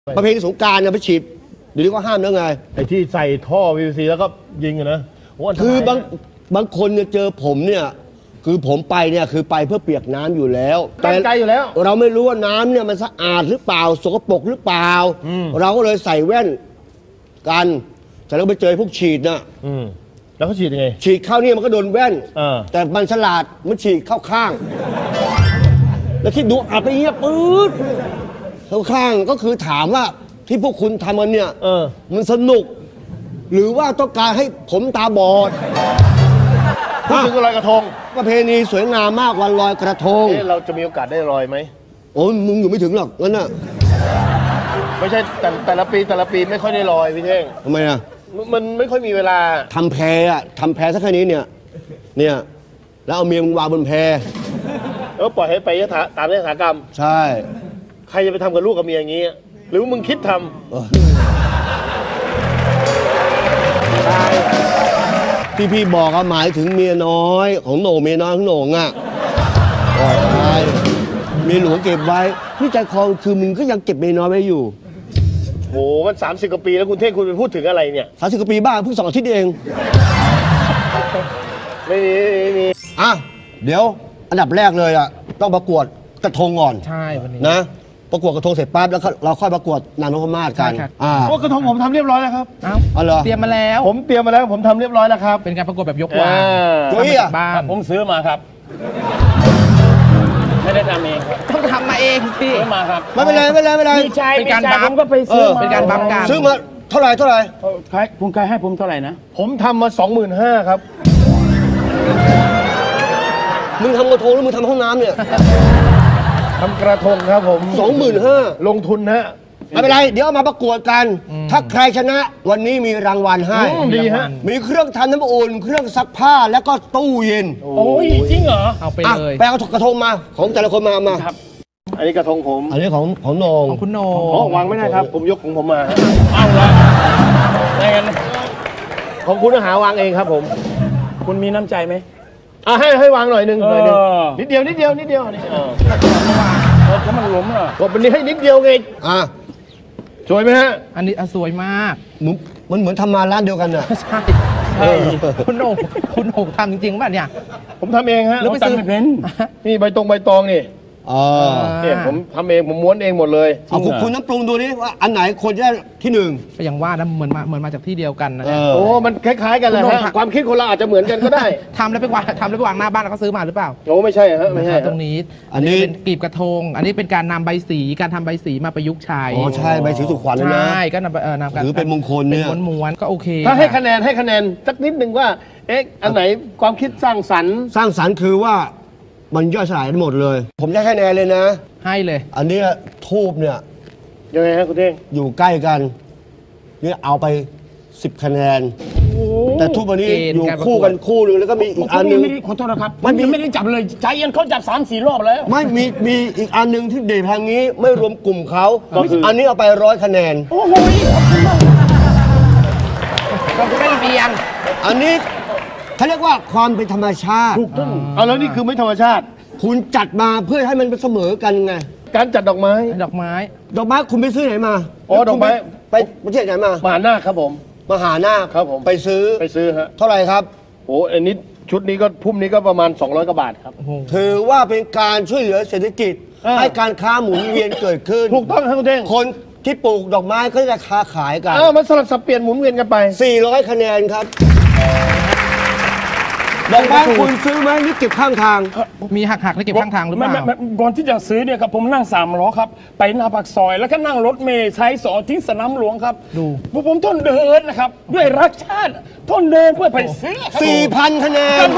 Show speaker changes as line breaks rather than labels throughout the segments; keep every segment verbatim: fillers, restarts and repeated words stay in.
ประเพณีสงกรานต์นะไปฉีดเดี๋ยวนี้ก็ห้ามแล้วไง
ไอ้ที่ใส่ท่อ พี วี ซี แล้วก็ยิงอะนะ
คือบางบางคนเนี่ยเจอผมเนี่ยคือผมไปเนี่ยคือไปเพื่อเปียกน้ำอยู่แล้ว
ตั้งใจอยู่แล้ว
เราไม่รู้ว่าน้ำเนี่ยมันสะอาดหรือเปล่าสกปรกหรือเปล่าเราก็เลยใส่แว่นกันแต่เราไปเจอพวกฉีดนะ
แล้วเขาฉีดยังไง
ฉีดเข้านี่มันก็โดนแว่นแต่มันฉลาดมันฉีดเข้าข้างแล้วคิดดูอัดไปเงี้ยปื๊ดเข้าข้างก็คือถามว่าที่พวกคุณทำกันเนี่ยมันสนุกหรือว่าต้องการให้ผมตาบอด
พูดถึงลอยกระทง
ประเพณีสวยงามมากวันลอยกระทง
เราจะมีโอกาสได้ลอยไหม
โอ้มึงอยู่ไม่ถึงหรอกงั้นน่ะ
ไม่ใช่แต่แต่ละปีแต่ละปีไม่ค่อยได้ลอยพี่เท่ง
ทำไมอ่ะ
มันไม่ค่อยมีเวลา
ทำแพอ่ะทำแพสักแค่นี้เนี่ยเนี่ยแล้วเอาเมียมึงวางบนแพ
เออปล่อยให้ไปตามยถากรรม
ใช่
ใครจะไปทำกับลูกกับเมียอย่างนี้หรือมึงคิดทำ
ที่พี่บอกหมายถึงเมียน้อยของโหน่งเมียน้อยของโหน่งอ่ะปล่อยไปเมียหลวงเก็บไว้พี่ใจคอคือมึงก็ยังเก็บเมียน้อยไว้อยู่
โหมันสามสิบกว่าปีแล้วคุณเท่งคุณไปพูดถึงอะไรเนี่ย
สามสิบกว่าปีบ้าเพิ่งสองอาทิตย์เอง
ไม่มีไม่มี
อ่ะเดี๋ยวอันดับแรกเลยอ่ะต้องประกวดกระทงก่อน
ใช่วันนี้
นะประกวดกระทงเสร็จปั๊บแล้วเราค่อยประกวดนางนพมาศกัน
อ่าพวกกระทงผมทำเรียบร้อยแล้วครับ
อ้าวเหรอเตรียมมาแล้ว
ผมเตรียมมาแล้วผมทำเรียบร้อยแล้วครับ
เป็นการประกวดแบบยกวาง
ตัวนี้อ่ะ
ผมซื้อมาครับไม่ได้ทำเอง
ต้องทำมาเองสิ
ซื้อมาครับ
ไม่เป็นไรไม่เป็นไรไม่เป็นไร
เป็นการบัฟผมก็ไปซื้อเป็นการบัฟกัน
ซื้อมาเท่าไหร่เท่าไหร่
ใครคุณใครให้ผมเท่าไหร่นะผมทำมาสองหมื่นห้าครับ
มึงทำกระทงหรือมึงทำห้องน้ำเนี่ย
ทำกระทงครับผม
สองหมื่นห้า
ลงทุนฮะ
ไม่เป็นไรเดี๋ยวเอามาประกวดกันถ้าใครชนะวันนี้มีรางวัลให้
ดีฮะ
มีเครื่องทำน้ำอุ่นเครื่องซักผ้าแล้วก็ตู้เย็น
โอ้ยจริงเหรอ
เอาไปเลย
ไปเอากระทงมาของแต่ละคนมามา
ครับอันนี้กระทงผม
อันนี้ของของโหน่ง
ของคุณโหน่ง
อ๋อวางไม่ได้ครับผมยกของผมมาเอาละได้กันของคุณหาวางเองครับผมคุณมีน้ำใจไหมอ่ะให้ให้วางหน่อยหนึ่งหน่อยหนึ่งนิดเดียวนิดเดียวนิดเดียวนี่เออถ้ามันล้มอ่ะกดวันนี้ให้นิดเดียวไงอ่ะสวยไหมฮะ
อันนี้สวยมาก
มันเหมือนทำมาร้านเดียวกันอ่ะ
ใช่คุณโหน่งคุณโหน่งทำจริงๆป่ะเนี่ย
ผมทำเองฮะ
แล้วไปซื้อเป็น
นี่ใบตองใบตองนี่
อ๋อ
เนี่ยผมทำเองผมม้วนเองหมดเลย
เอาคุณน้ำปรุงดูนี่ว่าอันไหนคนจะที่หนึ่ง
ก็ยังว่านะเหมือนมาเหมือนมาจากที่เดียวกันนะ
โอ้มันคล้ายๆกันเลยฮะความคิดคนเราอาจจะเหมือนกันก็ได้
ทำแล้วไปวางทำแล้วไปวางหน้าบ้านแล้วก็ซื้อมาหรือเปล่า
โอ้ไม่ใช่ฮะไม่ใช่
ตรงนี้อันนี้เป็นกลีบกระทงอันนี้เป็นการนำใบสีการทำใบสีมาประยุกต์ใช้
อ๋อใช่ใบสีสุขวัญนะ
ใช่ก็นำเออนำการ
หรือเป็นมงคลเนี่ย
ม้วนๆก็โอเค
ถ้าให้คะแนนให้คะแนนสักนิดหนึ่งว่าเอ๊ะอันไหนความคิดสร้างสรรค์
สร้างสรรค์คือว่ามันย่อยสลายหมดเลยผมได้คะแนนเลยนะ
ให้เลย
อันนี้ทูบเนี่ย
ยังไงฮะคุณเท่ง
อยู่ใกล้กันนี่เอาไปสิบคะแนนแต่ทูบอันนี้อยู่คู่กันคู่นึงแล้วก็มีอีกอันนึง
ขอโทษนะครับมันไม่ได้จับเลยใจเย็นเขาจับสามสี่รอบแล้ว
ไม่มีมีอีกอันนึงที่เดททางนี้ไม่รวมกลุ่มเขาอันนี้เอาไปร้อยคะแนน
โอ้โห
เราไม่เบียน
อันนี้เขาเรียกว่าความเป็นธรรมชาติ
ถูกต้องเอาแล้วนี่คือไม่ธรรมชาติ
คุณจัดมาเพื่อให้มันเสมอกันไง
การจัดดอกไม้
ดอกไม้
ดอกไม้คุณไปซื้อไหนมา
อ๋อดอกไม้
ไปประเทศไหนมาม
หาหน้าครับผม
มหาหน้า
ครับผม
ไปซื้อ
ไปซื้อฮะ
เท่าไหร่ครับ
โอ้อันนี้ชุดนี้ก็พุ่มนี้ก็ประมาณสองร้อยกว่าบาทครับ
ถือว่าเป็นการช่วยเหลือเศรษฐกิจให้การค้าหมุนเวียนเกิดขึ้น
ถูกต้องครับคุณเท่ง
คนที่ปลูกดอกไม้ก็จะค้าขายกัน
อ้าวมันสลับสับเปลี่ยนหมุนเวียนกันไป
สี่ร้อยคะแนนครับดอกไม้คุณซื้อไหมนี่เก็บข้างทาง
มีหักหักแล้วเก็บข้างทางหรือเปล่า
ก่อนที่จะซื้อเนี่ยครับผมนั่งสามล้อครับไปหน้าปากซอยแล้วก็นั่งรถเมล์ใช้สอทิ้งสนามหลวงครับ
ดู
ผมทนเดินนะครับด้วยรักชาติทนเดินเพื่อไปซื้อ
สี่พันคะแนน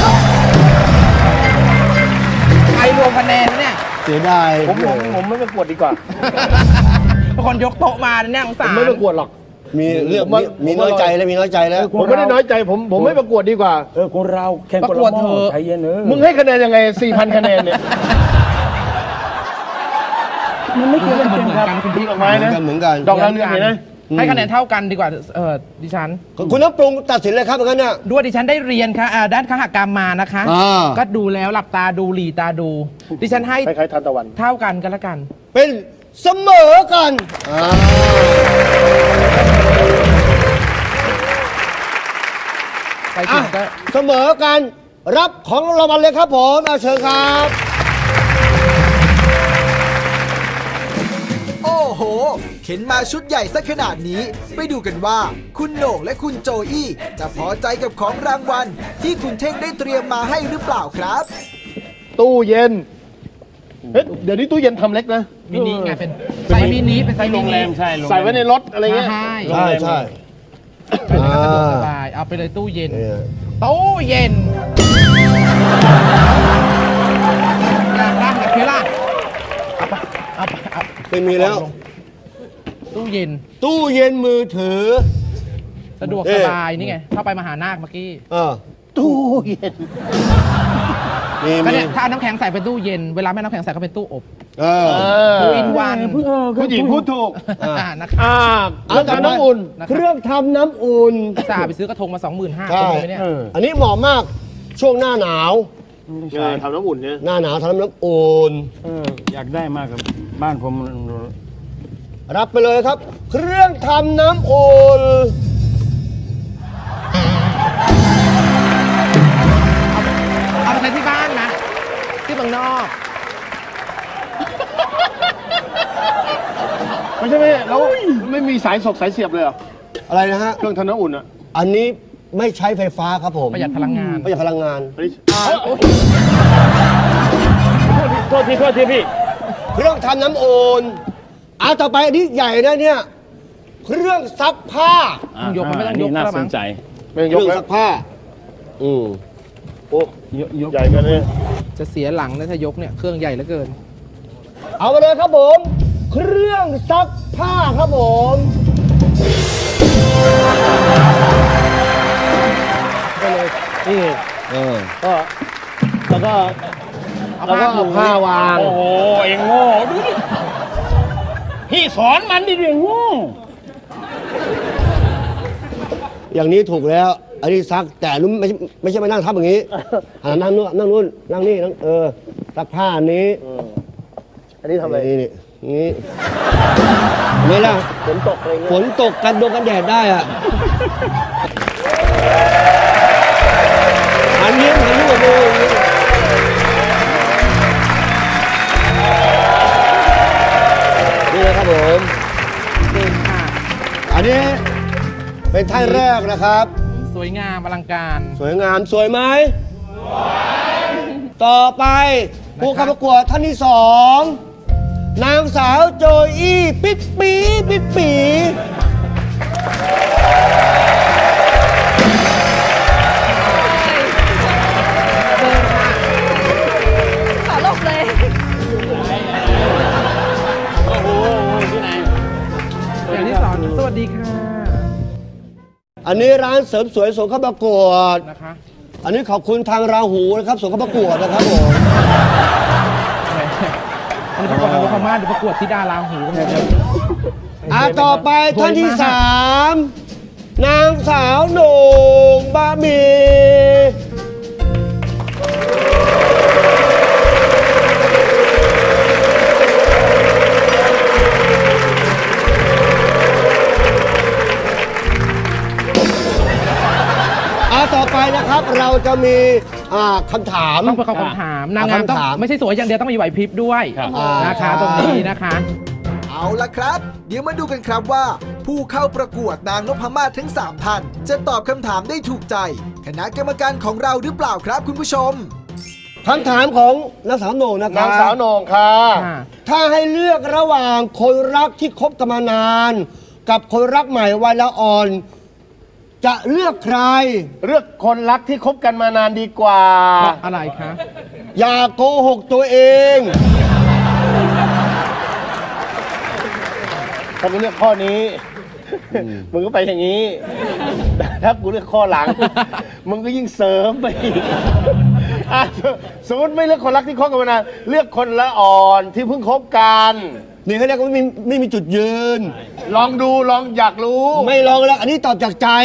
ไอรวมคะแนนเนี่ย
เสียดาย
ผมผมผมไม่ประกวดดีกว่า
บางคนยกโต๊ะมาเนี่ยสงสาร
ไม่ประกวดหรอก
มีเรื่องมีน้อยใจแล้วมีน้อยใจแล้ว
ผมไม่ได้น้อยใจผมผมไม่ประกวดดีกว่า
เออคนเราแข่ง
ประกวดเธอ
ใจเย็นเออ
มึงให้คะแนนยังไงสี่พันคะแนนเนี่ยมันไม่เกี่ยวกันเหมือนกันคุณพี่ดอกไม้นะ
เหมือนกัน
ดอกดาวเรืองเห็นไหม
ให้คะแนนเท่ากันดีกว่าเออดิฉัน
คุณน้ำปรุงตัดสินเลยครับงั้นน่ะ
ด้วยดิฉันได้เรียนค่ะด้านคหกรรมมานะคะก็ดูแล้วหลับตาดูหลีตาดูดิฉันให้
คล้ายๆทานตะวัน
เท่ากันกันละกัน
เป็นเสมอกันอ่า
ไปถึงก็
เสมอกันรับของรางวัลเลยครับผมอาเชิญครับ
โอ้โหเข็นมาชุดใหญ่ซะขนาดนี้ไปดูกันว่าคุณโหน่งและคุณโจอี้จะพอใจกับของรางวัลที่คุณเท่งได้เตรียมมาให้หรือเปล่าครับ
ตู้เย็นเฮ้ยเดี๋ยวนี้ตู้เย็นทำเล็กนะ
มินิไงเป็นไซส์มินิเป็นไซส์มินิ
ใส่ไว้ในรถอะไรเงี้ย
ใช่
ใช่ใช่
ไปไหนก็สะดวกสบายเอาไปเลยตู้เย็น
เนี่ย
ตู้เย็นอยากได้กับเพล่าเอาไปเอาไปเอา
ไม่มีแล้ว
ตู้เย็น
ตู้เย็นมือถือ
สะดวกสบายนี่ไงเข้าไปมหานาคเมื่อกี้
เออ
ตู้เย็น
มี
ก็
มี
เนี่ยถ้าเอาน้ำแข็งใส่เป็นตู้เย็นเวลาไม่น้ำแข็งใส่ก็เป็นตู้อบ
เออ
ทูอินวัน
ผู้หญิงพูดถูก
นะครับ
อ่าเครื่องทำน้ำอุ่น
นะค
เครับ รื่องทำน้ำอุ่น
จ่าไปซื้อกระทงมา สองหมื่นห้า
ใช่
คนไหมเนี่ย
อันนี้เหมาะมากช่วงหน้าหนาว
ใช่ทำน้ำอุ่นเนี่ย
หน้าหนาวทำน้ำอุ่น
เอออยากได้มากครับบ้านผม
รับไปเลยครับ เครื่องทำน้ำอุ่น
เอาไปใช้ที่บ้านนะที่เมืองนอก
ไม่ใช่ไหมแล้วไม่มีสายสกสายเสียบเลยเหรอ
อะไรนะฮะ
เครื่องทำน้ำอุ่นอ่ะ
อันนี้ไม่ใช้ไฟฟ้าครับผม
ประหยัดพลังงาน
ประหยัดพลังงาน
อันนี้โทษทีโทษทีพี่
เครื่องทำน้ำอุ่นเอาต่อไปอันนี้ใหญ่นะเนี่ย เครื่องซักผ้า
ยกมันไม่ต้องยก
น่า
แล้ว
ส
มั้
น
ง
ใจ
ไม่ต้อง
เค
ยก
รื่อง
แล้ว
ซักผ้า อืม
โอ้
ยกยก
ใหญ่กันเลย
จะเสียหลังนะถ้ายกเนี่ยเครื่องใหญ่เหลือเกิน
เอาไปเลยครับผม เครื่องซักผ้าครับผม
ก็เลยนี่
เออ
ก็แล้วก็แล้วก็เอาผ้าวาง
โอ้โหเองโง่ดูดิพี่สอนมันดิเรื่องโง่
อย่างนี้ถูกแล้ว อันนี้ซักแต่นุ่มไม่ใช่ไม่ใช่มานั่งทับอย่างนี้อ่านั่งนู่นนั่งนู่นนั่งนี่นั่งเออซักผ้าอันนี้
อันนี้ทำอะไร
นี่นี่นี่นี่ล่ะ
ฝนตกอะไรเงี้ย
ฝนตกกันโดนกันแดดได้อ่ะหันยิ้มหันยิ้มกับมืออย่างนี้นี่นะครับผม
เดินค่ะ
อันนี้เป็นท่านแรกนะครับ
สวยงามอลังการ
สวยงามสวยไหมสวยต่อไปผู้เข้าประกวดท่านที่สองนางสาวโจอี้ปิ๊ปปีปิ๊ปปี
ขอหลบเลย
โอ้โหที่ไหน
อย่างที่สอนสวัสดีค่ะ
อันนี้ร้านเสริมสวยส่งเข้าประกวด
นะคะ
อันนี้ขอบคุณทางราหูนะครับส่งเข้าประกวดนะครับผม
อันนี้ประกวดทางลูกพม่าหรือประกวดที่ดาราหูกันเนี่ย
อ่ะต่อไปท่านที่สามนางสาวโหน่งบะหมี่อ่ะต่อไปนะครับเราจะมีอ่าคำถาม
ต้องประกอบคำถามนางงามต้อง
คำถาม
ไม่ใช่สวยอย่างเดียวต้องมีไหวพริบด้วย
ครับ
นะคะตรงนี้นะคะ
เอาละครับ เดี๋ยวมาดูกันครับว่า ผู้เข้าประกวดนางนพมาศทั้งสามท่านจะตอบคำถามได้ถูกใจ คณะกรรมการของเราหรือเปล่าครับคุณผู้ชม
คำถามของนางสาวโหน่งนะครับ
นางสาวโหน่งค่ะ
ค่ะ
ถ้าให้เลือกระหว่างคนรักที่คบกันมานาน กับคนรักใหม่วัยละอ่อน จะเลือกใคร
เลือกคนรักที่คบกันมานานดีกว่า
เพราะอะไรคะ
อย่าโกหกตัวเอง
ถ้ากูเลือกข้อนี้ มึงก็ไปอย่างนี้แต่ถ้ากูเลือกข้อหลัง มึงก็ยิ่งเสริมไปอีกอ่ะสมมติไม่เลือกคนรักที่คบกันมานาน เลือกคนละอ่อนที่เพิ่งคบกัน
นี่เขาเรียกว่าไม่มีไม่มีจุดยืน
ลองดูลองอยากรู้
ไม่ลองแล้ว อันนี้ตอบจากใจ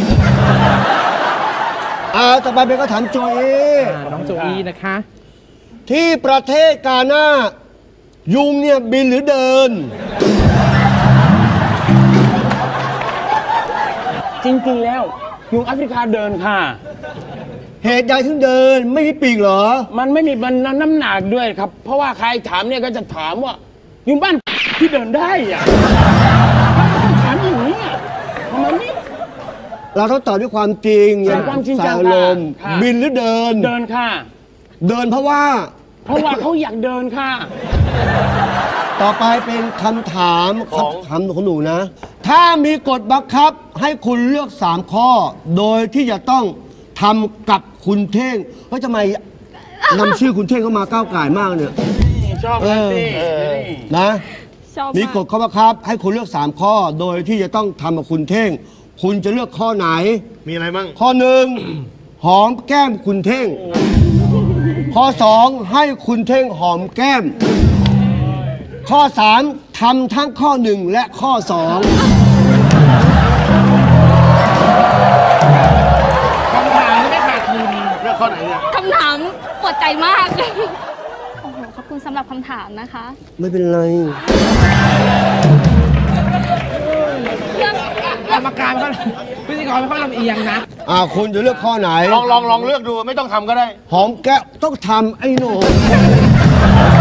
อ่าต่อไปเป็นคำถามโจเอ
อ่าน้องโจอี้นะคะ
ที่ประเทศกาหน้ายุงเนี่ยบินหรือเดิน
จริงๆแล้วยุงแอฟริกาเดินค่ะ
เหตุใดถึงเดินไม่มีปีกเหรอ
มันไม่มีมันน้ำหนักด้วยครับ เพราะว่าใครถามเนี่ยก็จะถามว่ายุงบ้านที่เดินได้อะถามอย่างนี้อะทำไมนี่
เราต้องตอบด้วยความจริงอย่า
ความจริง
ใส่
จัง
อารมณ์
ค่ะ
บินหรือเดิน
เดินค่ะ
เดินเพราะว่า
เพราะว่าเขาอยากเดินค่ะ
ต่อไปเป็นคำถามคำถามของหนูนะ ถ้ามีกฎบังคับให้คุณเลือกสามข้อ โดยที่จะต้องทำกับคุณเท่งเฮ้ยทำไมนำชื่อคุณเท่งเข้ามาก้าวไก่ายมากเนี่ย
ชอบนะสิ
นะ
ชอบ
มี
มาก
กฎข้อบังคับ ให้คุณเลือกสามข้อ โดยที่จะต้องทำกับคุณเท่ง คุณจะเลือกข้อไหน
มีอะไรบ้าง
ข้อหนึ่งหอมแก้มคุณเท่ง ข้อสองให้คุณเท่งหอมแก้ม ข้อสามทำทั้งข้อหนึ่งและข้อสอง
คำถามไม่ขาดทุน
เลือกข้อไหนเนี่ย
คำถามปวดใจมาก โอ้โห ขอบคุณสำหรับคำถามนะคะ
ไม่เป็นไร
เรื่อง
กรรมการไม่ค่อยพิธีกรไม่ค่อยลำเอียงนะ
อ่าคุณจะเลือกข้อไหน
ลองลองลองเลือกดูไม่ต้องทำก็ได้
หอมแก้มต้องทำไอ้หนู